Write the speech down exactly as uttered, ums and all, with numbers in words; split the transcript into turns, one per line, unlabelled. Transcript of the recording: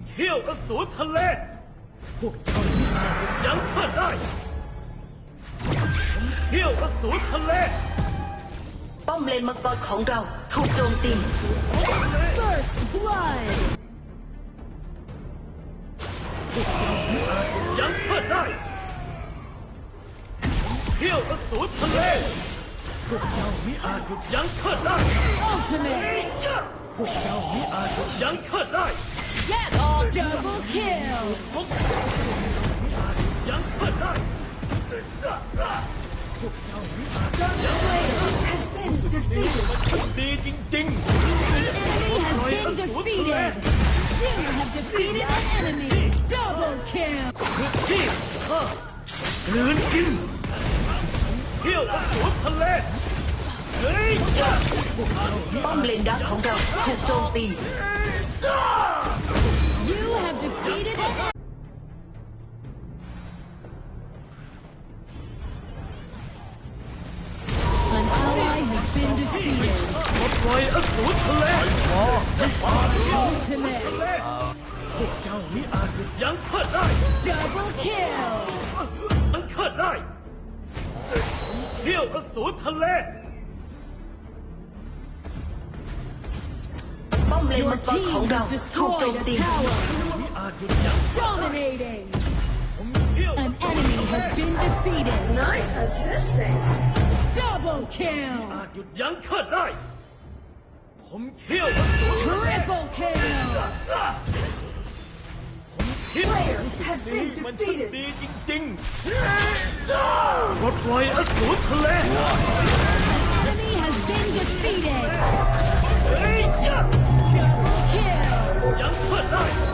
เขี้ยวอสูรทะเลพวกเจ้าไม่อาจยั้งข้าได้ผมเขี้ยวอสูรทะเล
ป้อมเลนมังกรของเราถูกโจมตี
First blood
พวกเจ้าไม่อาจยั้งข้าได้เขี้ยวอสูรทะเลพวกเจ้าไม่อาจหยุดยั้งข้าได้
Ultimate
พวกเจ้าไม่อาจหยุดยั้งข้าได้
Get all double kill
พวกเจ้าไม่อาจหยุดยั้งข้าได้พวกเจ้าไม่อาจ
Dark Slayer has been defeated
มันดีจริงๆ
Enemy has been defeated You have defeated an enemy Double kill
ที่ข้าเลือนกินเที่ยวอสูรทะเลเฮ้ย
ป้อมเลนดักของเราถูกโจมตี
You have defeated an enemy An ally has been defeated
ปลดปล่อยอสูรทะเล
Ultimate
พวกเจ้ามิอาจหยุดยั้งข้าได้
Double kill
ยั้งข้าได้เที่ยวอสูรทะเล
ป้อมเลน
Your
มังกร
team
ของเรา
has
ถูกโจ
destroyed
ม
a
ตี
tower
มิอาจหยุดยั้ง
Dominating
ผมเที่ยว
An enemy has been defeated
Nice assisting
Double kill
อาจหยุดยั้งข้าได้ผมเที่ยวอสูร
Triple kill
เที่ยวมันช่างดีจริงๆปลดปล่อยอสูรทะเล
Enemy has been defeated
เฮ้ย
Double kill
ยังข้าได้